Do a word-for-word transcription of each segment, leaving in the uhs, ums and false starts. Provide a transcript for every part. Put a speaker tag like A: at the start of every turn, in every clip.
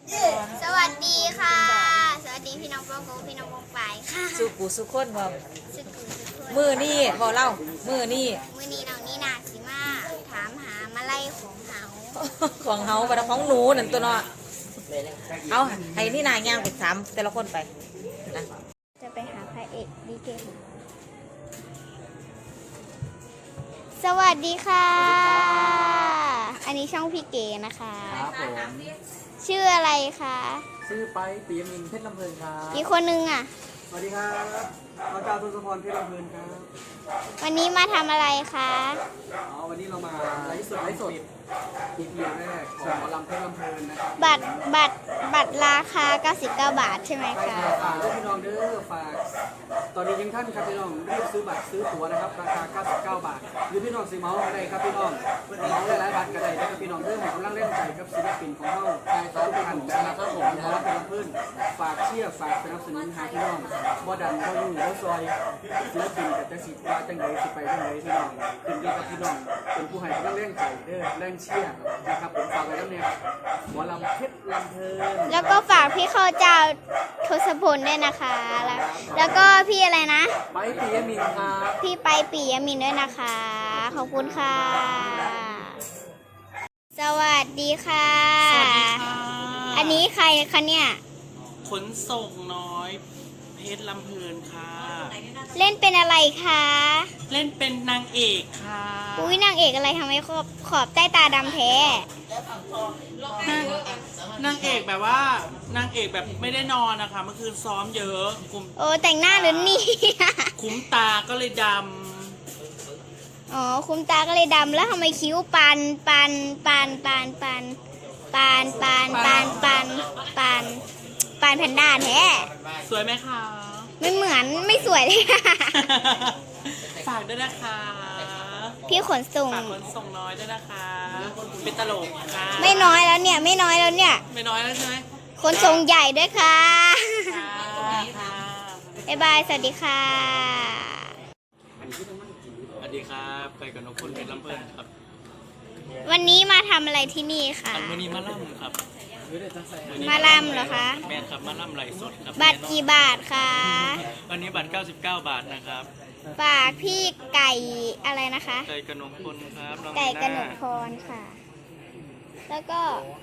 A: สวัสดีค่ะสวัสดีพี่น้องพ่อครูพี่น้องวงปลายค่ะ
B: สุกูสุคนบ่
A: สุกุสุกุ
B: มือนี่บ่เล่ามือนี่
A: มือนี้น้องนี่นาสิมาถามหามาไล่ของเฮา
B: ของเฮาบ่ได้ของหนูนั่นตัวเนาะเอาให้นี่นายย่างไปถามแต่ละคนไปนะ
A: จะไปหาพระเอกดีเกสวัสดีค่ะ อันนี้ช่องพี่เก๋นะคะ
C: ครับผม
A: ชื่ออะไรคะ
C: ชื่อไปปียมินเพชรลำเพลินครับ
A: อีกคนนึงอ่ะ
C: สวัสดีครับอาจารย์ทศพรเพชรลำเพลินครับ
A: วันนี้มาทำอะไรคะ
C: อ๋อวันนี้เรามาไลฟ์สดไลฟ์สดอีพีแรกของหมอลำเพชรลำเพลินนะครับ
A: บัตรบัตรบัตรราคาเก้าสิบเก้าบาทใช่ไหม
C: ใช่
A: คะ
C: ครับฝากด้วยพี่น้องเด้อฝากตอนนี้ยังท่านครับพี่น้องรีบซื้อบัตรซื้อตั๋วนะครับราคาเก้าสิบเก้าบาทหรือพี่น้องซื้อเมาส์ก็ได้ครับพี่น้องเมาส์หลายๆบัตรก็ได้นะครับพี่น้องเด้อให้กำลังเล่นใจกับศิลปินของเราใช่ครับทุกท่านนะครับผมหมอลำเพชรลำเพลินฝากเชียร์ฝากสนับสนุนให้พี่น้องบ่ดันบ่ยุ่งบ่ซอยศิลปินกับจังสิว่าจังไดสิไปจังไดพี่น้องขึ้นอยู่กับพี่น้องเป็นผู้ให้กำลังเล่นใจเด้อแรงเชียร์นะครับผมฝากไว้แล้วเนี่ยหมอลำเพชรลำเพลิน
A: แล้วก็ฝากพี่เข้าเจ้าทศพลด้วยนะคะ แล้วแล้วก็พี่อะไรนะ
C: ไปปียมินครับ
A: พี่ไปปียมินด้วยนะคะ ขอบคุณค่ะ สวัสดีค่ะ
D: สวัสดีค่ะ
A: อันนี้ใครคะเนี่ย
D: ขนส่งน้อยเพชรลำเพลินค่ะ
A: เล่นเป็นอะไรคะ
D: เล่นเป็นนางเอกค่ะ
A: อุ้ยนางเอกอะไรทำไมขอบขอบใต้ตาดำแท้
D: นางนางเอกแบบว่านางเอกแบบไม่ได้นอนนะคะเมื่อคืนซ้อมเยอะคุม
A: โอ้แต่งหน้าหรือนี่
D: คุ้มตาก็เลยด
A: อ๋อคุณตาก็เลยดำแล้วทำไมคิ้วปันปันปันปันปันปันปันปันปันปันปันแพนด้าแท้
D: ำสวยไหมคะ
A: ไม่เหมือนไม่สวยเลย
D: ฝากด้วยนะคะ
A: พี่ขนส่ง
D: ฝากขนส่งน้อยด้วยนะคะเป็นตลกค่ะ
A: ไม่น้อยแล้วเนี่ยไม่น้อยแล้วเนี่ย
D: ไม่น้อยแล้วใช่ไหม
A: ขนส่งใหญ่ด้วยค่ะ
D: ค่ะค่ะ
A: บ๊ายบายสวัสดีค่ะ
D: สวัสดีครับไปกับนกคุณเพชรลำเพลินครับ
A: วันนี้มาทำอะไรที่นี่ค่ะ
D: อันวันนี้มาล่ำครับ
A: มาลำเหรอคะ
D: แมนครับมาล่ำไหลสดครับ
A: บัตรกี่บาทคะ
D: วันนี้บัตรเก้าสิบเก้าบาทนะครับ
A: ฝากพี่ไก่อะไรนะคะ
D: ไก่กระนงพลครับน้อง
A: ไก่กระหน
D: าก
A: พรค่ะ แล้วก็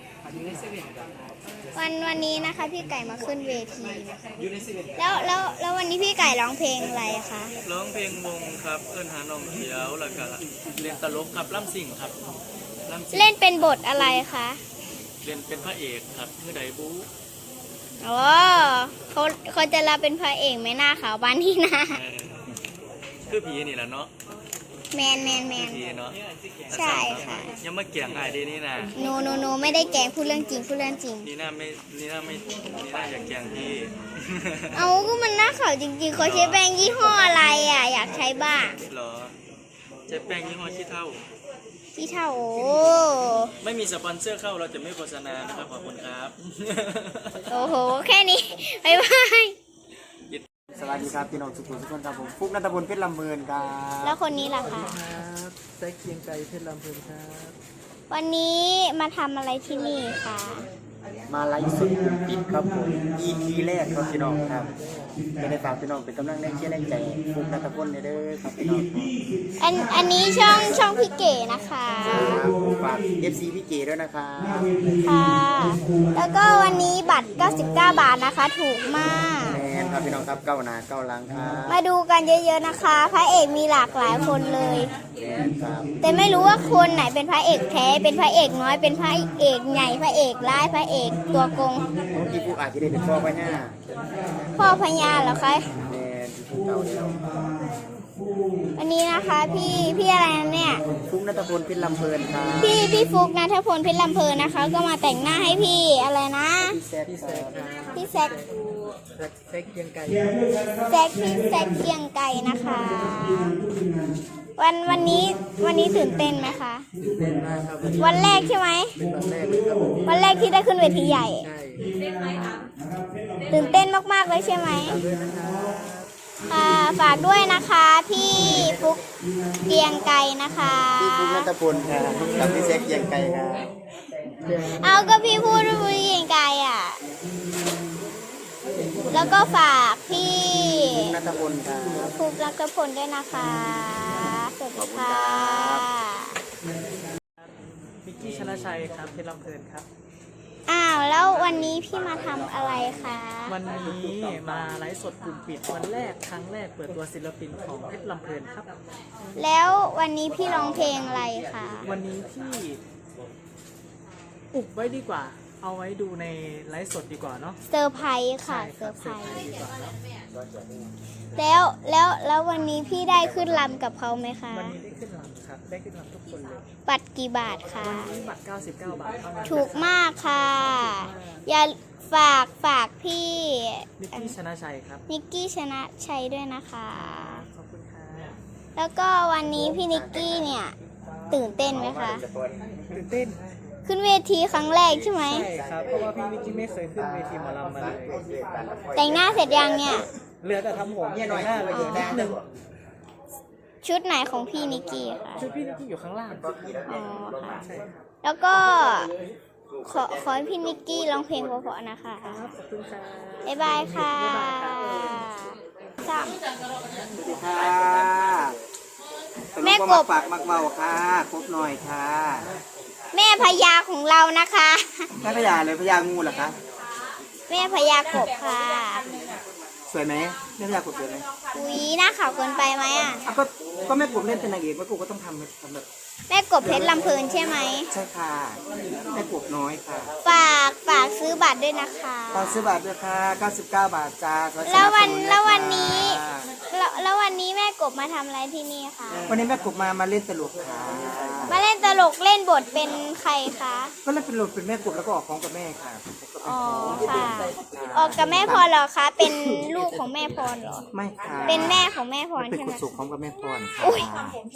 A: วันวันนี้นะคะ พี่ไก่มาขึ้นเวทีนะคะแล้วแล้วแล้ววันนี้พี่ไก่ร้องเพลงอะไรคะ
D: ร้องเพลงวงครับเอิ้นหาน้องเขียวแล้วก็เล่นตลกครับล่ำสิ่งครับล่ำสิ่ง
A: เล่นเป็นบทอะไรคะ
D: เล่นเป็นพระเอกครับเมื่อใดบู๊
A: อ๋อเขาเขาจะรับเป็นพระเอกไหมหน้าขาวบานที่หน้า
D: เออคือผีนี่แหละเนาะ
A: แมนแมนแมน
D: ผีเนาะ
A: ใช่ค่ะ
D: ยังมาเกี่ยงอายดีนี่นะ
A: โนโนโนไม่ได้แกล้งพูดเรื่องจริงพูดเรื่องจริง
D: นี่น่าไม่นี่น่าไม่นี่น่าอยากเกี่ยงพี่
A: เอาก็มันหน้าขาวจริงๆเขาใช้แป้งยี่ห้ออะไรอ่ะ อยากใช้บ้าง
D: เหรอเจ๊แป้งยี่ห้อขี้เท่า
A: ที่เท่าโอ้
D: ไม่มีสปอนเซอร์เข้าเราจะไม่โฆษณานะครับขอบคุณครับ
A: โอ้โหแค่นี้บ๊ายบาย
C: สวัสดีครับพี่น้องสุขุมทุกคนครับผมฟุกนัทพลเพชรลำเพลินครับ
A: แล้วคนนี้ล่ะคะ
C: ครับแซกเกียงไก่เพชรลำเพลินครับ
A: วันนี้มาทำอะไรที่นี่คะ
C: มาไลฟ์สดกลุ่มปิดครับผม อี พี แรกครับพี่น้องครับจะได้ฝากพี่น้องเป็นกำลังแรงเชียร์แรงใจฟุกนัทพลเด้อครับพี่น้อง
A: อันอันนี้ช่องช่องพี่เก๋นะคะ
C: ครับฝาก เอฟ ซี พี่เก๋ด้วยนะครับ
A: ค่ะ แล้วก็วันนี้บัตรเก้าสิบเก้าบาทนะคะ ถูกมาก
C: แมนครับพี่น้องครับเก้าหนาเก้าหลังครับ
A: มาดูกันเยอะๆนะคะ พระเอกมีหลากหลายคนเลย
C: แมนครับ
A: แต่ไม่รู้ว่าคนไหนเป็นพระเอกแท้ เป็นพระเอกน้อย เป็นพระเอกใหญ่ พระเอกร้าย พระเอกตัวโกง
C: พี่ฟุกอาจจะได้เป็นพ่อพญา
A: พ่อพญาเหรอคะ
C: แมนพี่ฟุกเก่าแล้ว
A: วันนี้นะคะพี่พี่อะไรนะเนี่ย
C: ฟุกนัทพลเพชรลำเพลินครับ
A: พี่พี่ฟุกนัทพลเพชรลำเพลินนะคะ ก็มาแต่งหน้าให้พี่อะไรนะ
C: พี่แซกพี่แซกครับ
A: พี่แซก
C: แซกเกียงไก่
A: แซกพี่แซกเกียงไก่นะคะ วันวันนี้วันนี้ตื่นเต้นไหมคะ
C: ตื่นเต้นมากครับ
A: วันแรกใช่ไหม
C: เป็นวันแรกเลยครับผม
A: วันแรกที่ได้ขึ้นเวทีใหญ่
C: ใช่
A: ตื่นเต้นมากๆเลยใช่ไหม
C: ด้วยนะครับ
A: ค่ะฝากด้วยนะคะพี่ฟุกเกียงไก่นะคะ
C: พี่ฟุกนัทพลครับกับพี่แซกเกียงไก่ครับ
A: เอาก็พี่พูดว่าพี่เกียงไก่อ่ะแล้วก็ฝากพี่
C: นัทพลครับ
A: ภูมิรักพลด้วยนะคะสวัสดีค่ะ
C: มิกกี้ชนะชัยครับเพชรลำเพลินครับ
A: อ้าวแล้ววันนี้พี่มาทำอะไรคะ
C: วันนี้มาไลฟ์สดกลุ่มปิดวันแรกครั้งแรกเปิดตัวศิลปินของเพชรลำเพลินครับ
A: แล้ววันนี้พี่ร้องเพลงอะไรคะ
C: วันนี้ที่อุบไว้ดีกว่า เอาไว้ดูในไลฟ์สดดีกว่าเนาะ
A: เซอร์ไพรส์ค่ะ
C: ใช่
A: เซอร์ไพรส์
C: ดีกว่า
A: แล้วแล้วแล้ววันนี้พี่ได้ขึ้นลำกับเขาไหมคะ
C: วันนี้ได้ขึ้นลำครับ ได้ขึ้นลำทุกคนเลย
A: บัตรกี่บาทคะ
C: วันนี้บัตรเก้าสิบเก้าบาทเท่านั้น
A: ถูกมากค่ะ อย่าฝากฝากพี่
C: มิกกี้ชนะชัยครับ
A: นิกกี้ชนะชัยด้วยนะคะ
C: ขอบคุณค่ะ
A: แล้วก็วันนี้พี่นิกกี้เนี่ยตื่นเต้นไหมคะ
C: ตื่นเต้น
A: ขึ้นเวทีครั้งแรกใช่ไหม
C: ใช่ครับ เพราะว่าพี่มิกกี้ไม่เคยขึ้นเวทีหมอลำมาเลย
A: แต่งหน้าเสร็จยังเนี่ย
C: เหลือแต่ทำผมเนี่ยหน้าเหลือนิดนึง
A: ชุดไหนของพี่นิกกี้คะ
C: ชุดพี่นิกกี้อยู่ข้างล่าง
A: อ๋อค่ะ
C: ใช่ครับ
A: แล้วก็ขอขอให้พี่นิกกี้ร้องเพลงเพราะๆนะคะ
C: ขอบคุณค่ะ
A: บ๊ายบายค่ะสาม
E: ค่ะ
A: แม่กบ
E: ฝากมักเบาค่ะครบหน่อยค่ะ
A: แม่พญาของเรานะคะ
E: แม่พญาเลยพญางูเหรอคะ
A: แม่พญากบค่ะ
E: สวยไหมแม่พญากบสวยไหม
A: อุ้ยหน้าขาวเกินไปไหมอ่ะ
E: อ่ะก็ก็แม่กบเล่นเป็นนางเอกแม่กบก็ต้องทำทำแบบ
A: แม่กบเพชรลำเพลินใช่ไหม
E: ใช่ค่ะแม่กบน้อยค่ะ
A: ฝากฝากซื้อบัตรด้วยนะคะ
E: ตอนซื้อบัตรด้วยค่ะเก้าสิบเก้าบาทจ้าขอสนับสนุ
A: แล้ววัน
E: ด้วย
A: แล้ววัน
E: ค่ะ
A: นี้แล้วแล้ววันนี้แม่กบมาทำอะไรที่นี่คะ
E: วันนี้แม่กบมามาเล่นตลกค่ะ
A: มาเล่นตลกเล่นบทเป็นใครคะ
E: ก็เล่นเป็นตลกเป็นแม่กบแล้วก็ออกของกับแม่ค่ะ
A: อ๋อค่ะ ออกกับแม่พรเหรอคะ เป็นลูกของแม่พรเหรอ
E: ไม่ค่ะ
A: เป็นแม่ของแม่พร
E: เป็น
A: ใช่
E: ค
A: ไห
E: น
A: ม
E: สุขของกับแม่พรค่ะ
A: อุ๊ย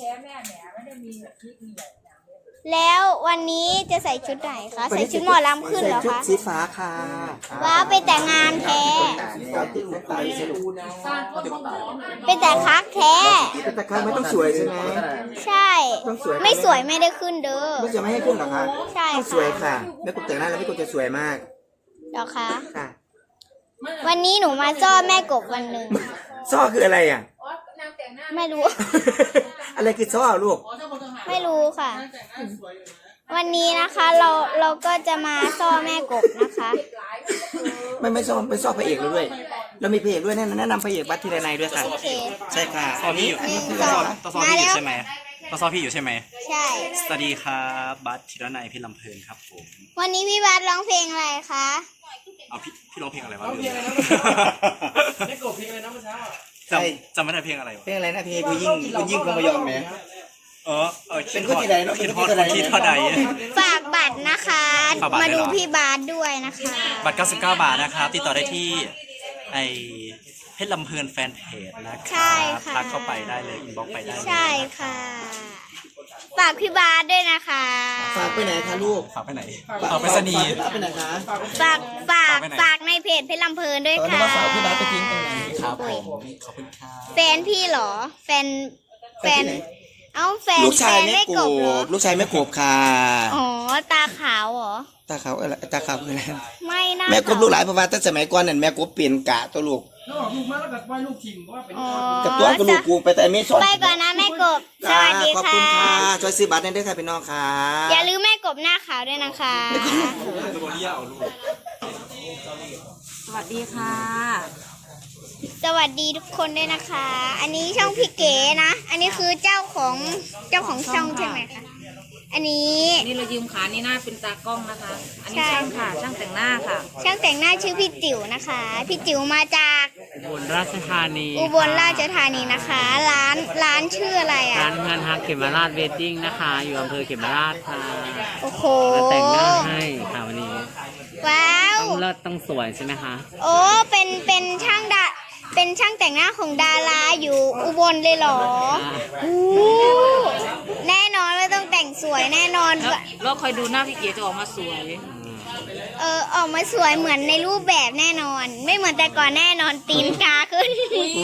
A: แล้ววันนี้จะใส่ชุดไหนคะ ใส่ชุดหมอลำขึ้นเหรอ
E: ใส่ชุด
A: คะ
E: สีฟ้าค่ะ
A: ว้าวไปแต่งงานแท้
E: ก็ติ้วตายสนุก
A: เป็นแต่คักแท้
E: แต่ตะครั้งไม่ต้องสวยใช่ไหม
A: ใช่
E: ต้องสวย
A: ไม่สวยไม่ได้ขึ้นเด้อ
E: ไม่จะไม่ให้ขึ้นเหรอคะ
A: ใช่
E: ต้อง
A: ค่ะ
E: สวยค่ะแม่กบแต่งหน้าแล้วแม่กบจะสวยมาก
A: เหรอคะ
E: ค่ะ
A: วันนี้หนูมาจ้อแม่กบวันหนึ่ง
E: ซ้อคืออะไรอ่ะ
A: ไม่รู้
E: อะไรคือซ้อลูก
A: ไม่รู้ค่ะ วันนี้นะคะเราเราก็จะมาซ่อแม่กบนะคะ
E: ไม่ไม่ซ้อไม่ซ้อพระเอกเราด้วย เรามีพระเอกด้วยแนะนำแนะนำพระเอกบัตรทีละนายด้วยค่ะ
A: โอเค
E: ใช่ค่ะ
F: ซ้อพี่อยู่
A: หนึ่ง
F: ต้
A: ส
F: อ
A: อง
F: ต้องซ้อ
A: มา
F: พี่อ
A: แล้ว
F: ยู่ใช่ไหมต้องซ้อพี่อยู่ใช่ไหม
A: ใช่
F: สวัสดีครับบัสธีรนัยพี่ลำเพลินครับผม
A: วันนี้พี่บาสร้องเพลงอะไรคะ
F: เอาพี่พี่ร้องเพลงอะไรวะ
C: ร้องเพลงอะไรนะได้กบเพลงอะไรนะเมื่อเช้าอ่ะ
F: จำจำไม่ได้เพลงอะไรวะ
E: เพลงอะไรนะเพลงกูยิ่งกูยิ่งคงไม่ยอมไหม
F: เออเออ
E: เป็นคนที่ใดเนอะ
F: คิด
E: เป็น
F: ฮ
E: ค
F: อน ด
E: ที่ใด
F: คิดเท่าใด
A: ฝากบัตรนะคะ
F: ฝากบัตร
A: มา
F: ด้วย
A: ดู
F: เหรอ
A: พี่บาสด้วยนะคะ
F: บัตรเก้าสิบเก้าบาทนะครับติดต่อได้ที่ไอเพชรลำเพลินแฟนเพจนะค
A: ใช่
F: รับ
A: ค่ะ
F: ทักเข้าไปได้เลยอินบ็อกไปได้เลย
A: ใช่ค่ะ ฝากพี่บาสด้วยนะคะ
E: ฝากไปไหนคะลูก
F: ฝากไปไหนฝากไปสนีย์
E: ฝากไปไหนคะ
A: ฝากฝาก
F: ฝากไว้ไหน
A: ฝากในเพจเพชรลำเพลินด้วย
E: ตอนนี้
A: ค่ะ
E: ว่าฝากพี่บาสไปทิ้งตรงไหน
F: ครับผมขอบคุณครับ
A: แฟนพี่เหรอ แฟนแฟน
E: ไปที่ไหน
A: เอ้าแฟน
E: ลูกชาย
A: แฟน
E: แม่
A: ไม่
E: ก
A: กบเหรอบ
E: ลูกชายแม่กบค่ะ
A: อ๋อตาขาวเหรอ
E: ตาขาวอะไรตาขาวคืออะไร
A: ไม่น่า
E: แม่กบลูกหลายเพราะว่าตั้งสมัยก่อนนั่นแม่กบเปลี่ยนกะตัวลูก
C: แล้วออกลูกมาแล้วก็ไหว้ลูกทิมเพราะว่าเป็น
A: อ๋อ
E: กับตัวกับลูกกูไปแต่ไม่สอน
A: ไปก่อนนะแม่กบ สวัสดี
E: ขอบ
A: ค่ะ
E: คุณค่ะช่วยซื้อบัตรได้ด้วยค่ะพี่น้องค่ะ
A: อย่าลืมแม่กบหน้าขาวด้วยนะคะ
F: ตัวนี้เอาลูก
B: สวัสดีค่ะ
A: สวัสดีทุกคนด้วยนะคะ อันนี้ช่องพี่เก๋นะ อันนี้คือเจ้าของเจ้าของช่องใช่ไหมคะ อันนี้
B: นี่เรายืมขานี่หน้าเป็นตากล้องนะคะ อันนี้
A: ใช่
B: ช่างค่ะ ช่างแต่งหน้าค่ะ
A: ช่างแต่งหน้าชื่อพี่จิ๋วนะคะ พี่จิ๋วมาจาก
G: อุบลราชธานี
A: อุบลราชธานีนะคะ ร้านร้านชื่ออะไรอ่ะ
G: ร้านเงินฮักเขมราชเวดดิ้งนะคะ อยู่อำเภอเขมราชค่ะ
A: โอ้โห
G: มาแต่งหน้าให้ค่ะวันนี้
A: ว้าว
G: ต้องเลิศต้องสวยใช่ไหมคะ
A: โอ้เป็นเป็นช่างดาเป็นช่างแต่งหน้าของดาราอยู่อุบลเลยเหรออู้แน่นอนว่าต้องแต่งสวยแน่นอน
B: แล้วแล้วคอยดูหน้าพี่เก๋จะออกมาสวย
A: เออออกมาสวยเหมือนในรูปแบบแน่นอน ไม่เหมือนแต่ก่อนแน่นอนตีนกาขึ้น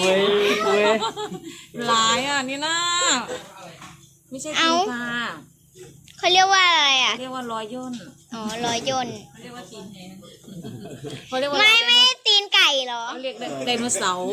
B: หลายอ่ะนี่นะไม่ใช่
A: เอ้า
B: ตีนค่ะ
A: เขาเรียกว่าอะไรอ่ะ
B: เรียกว่ารอยย่น
A: อ๋อรอยยนต์
B: เขาเรียกว่า
A: ไม่ไม่ตีนไก่เหรอ
B: เขาเรียกไดโนเสาร์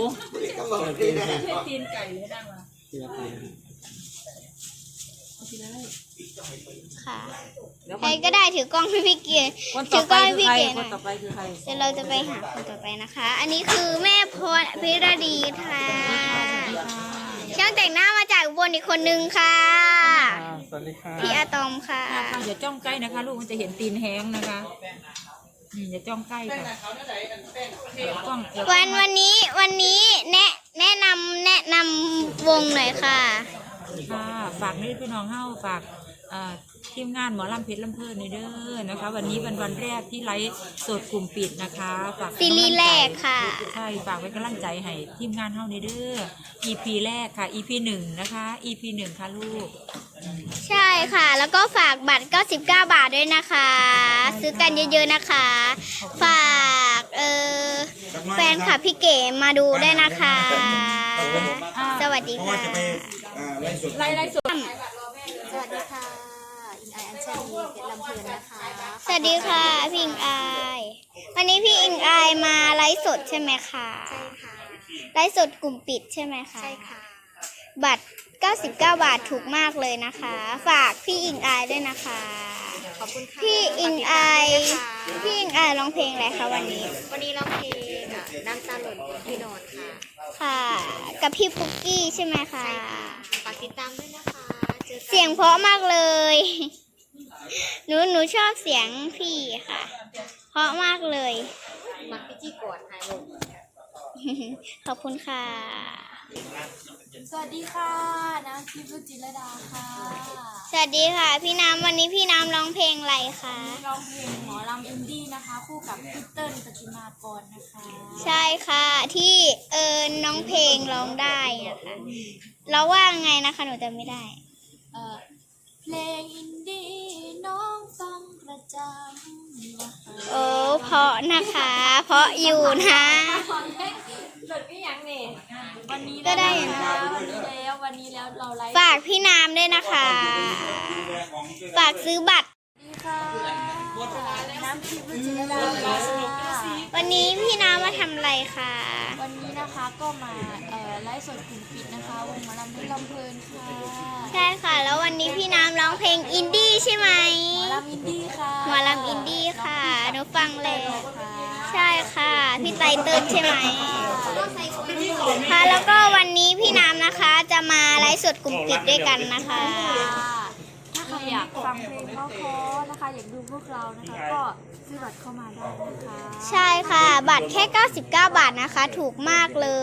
A: ค่ะใครก็ได้ถือกล้องให้พี่เก๋
B: คน
A: ถื
B: ต่อ
A: อก
B: ไป
A: ล้องให้
B: คือ
A: พี่
B: ใคร
A: เก๋ห
B: ค
A: น่
B: น
A: อย
B: ต่อไปคือใคร
A: เดี๋ยวเราจะไปหาคนต่อไปนะคะ อันนี้คือแม่พรพิรดีค่ะช่างแต่งหน้ามาจากอุบนอีกคนนึงค่ะพี่อาตอมค่ะ
B: ค่ะอย่าจ้องใกล้นะคะ ลูกมันจะเห็นตีนแห้งนะคะอืมอย่าจ้องใกล้ค่ะจ้องอย่า
A: วันวันนี้วันนี้แนะแนะนำแนะนำวงหน่อยค่ะ
B: ค่ะฝากนี่พี่น้องเฮ้าฝากเอ่อทีมงานหมอลำเพชรลำเพลินในเด้อนะคะ วันนี้เป็นวันแรกที่ไลฟ์สดกลุ่มปิดนะคะฝาก
A: ซีรีส์แรกค่ะ
B: ใช่ฝากไว้กำลังใจให้ทีมงานเฮ้าในเด้อ อี พี แรกค่ะ อี พี หนึ่งนะคะ อี พี หนึ่งค่ะลูก
A: ใช่ค่ะ แล้วก็ฝากบัตรเก้าสิบเก้าบาทด้วยนะคะ ซื้อกันเยอะๆนะคะ ฝากเออแฟนคลับพี่เก๋มาดูได้วยนะคะ สวัสดีค่ะ
B: ไลฟ์ไลฟ์สด
H: สวัสดีค่ะอิงไออัญชลีเพชรลำเพลินนะคะ
A: สวัสดีค่ะพี่อิงอายวันนี้พี่อิงอายมาไลฟ์สดใช่ไหมคะ
H: ใช่ค่ะ
A: ไลฟ์สดกลุ่มปิดใช่ไหมคะ
H: ใช่ค่ะ
A: บัตรเก้าสิบเก้าบาทถูกมากเลยนะคะ ฝากพี่อิงอายด้วยนะคะ
H: ขอบคุณค่ะ
A: พี่อิงอายพี่อิงอายร้องเพลงอะไรคะวันนี้
H: วันนี้ร้องเพลงอ่ะน้ำตาหล่นบนที่นอนค่ะ
A: ค่ะ กับพี่ปุกกี้ใช่ไหมคะ
H: ใช่ค่ะฝากติดตามด้วยนะคะเจอกัน
A: เสียงเพราะมากเลย หนูหนูชอบเสียงพี่ค่ะ เพราะมากเลย
H: มักพี่จี้กอดหายวง
A: ขอบคุณค่ะ
H: สวัสดีค่ะน้ำทิพย์รุจิรดาค่ะ
A: สวัสดีค่ะ พี่น้ำวันนี้พี่น้ำร้องเพลงอะไรคะ
H: ร้องเพลงหมอลำอินดี้นะคะ คู่กับพี่เติ้ลปฏิมากรนะคะ
A: ใช่ค่ะที่เออน้องเพลงร้องได้นะคะเราว่าไงนะคะหนูจำไม่ได้
H: เอ่อเพลงอินดี้น้องฟังประจำนะคะ
A: โอ้เพราะนะคะ เพราะอยู่นะ
H: หลุดก็ยังเนี่ยวันนี้
A: ก็ได้อยู่
H: นะ
A: นะ
H: วันนี้แล้ววันนี้แล้วเราไลฟ์
A: ฝากพี่น้ำด้วยนะคะ ฝากซื้อบัตร
H: ดีค่ะน้ำทิพย์รุจิรดาค่ะ
A: วันนี้พี่น้ำมาทำอะไรคะ
H: วันนี้นะคะก็มาเอ่อไลฟ์สดกลุ่มปิดนะคะวงหมอลำเพชรลำเพลินค่ะ
A: ใช่ค่ะ แล้ววันนี้พี่น้ำร้องเพลงอินดี้ใช่ไหม
H: หมอลำอินดี้ค่ะ
A: หมอลำอินดี้ค่ะหนูฟังเลย
H: ค่ะ
A: ใช่ค่ะ พี่ไตเติ้ลใช่ไหมค่ะแล้วก็วันนี้พี่น้ำนะคะ จะมาไลฟ์สดกลุ่มปิดด้วยกันนะคะ
H: ถ้าใครอยากฟังเพลงเพราะๆนะคะ อยากดูพวกเรานะคะ ก็ซื้อบัตรเข้ามาได้นะคะ
A: ใช่ค่ะ บัตรแค่เก้าสิบเก้าบาทนะคะ ถูกมากเลย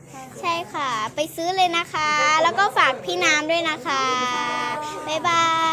A: ใช่ค่ะ ไปซื้อเลยนะคะ แล้วก็ฝากพี่น้ำด้วยนะคะ บ๊ายบาย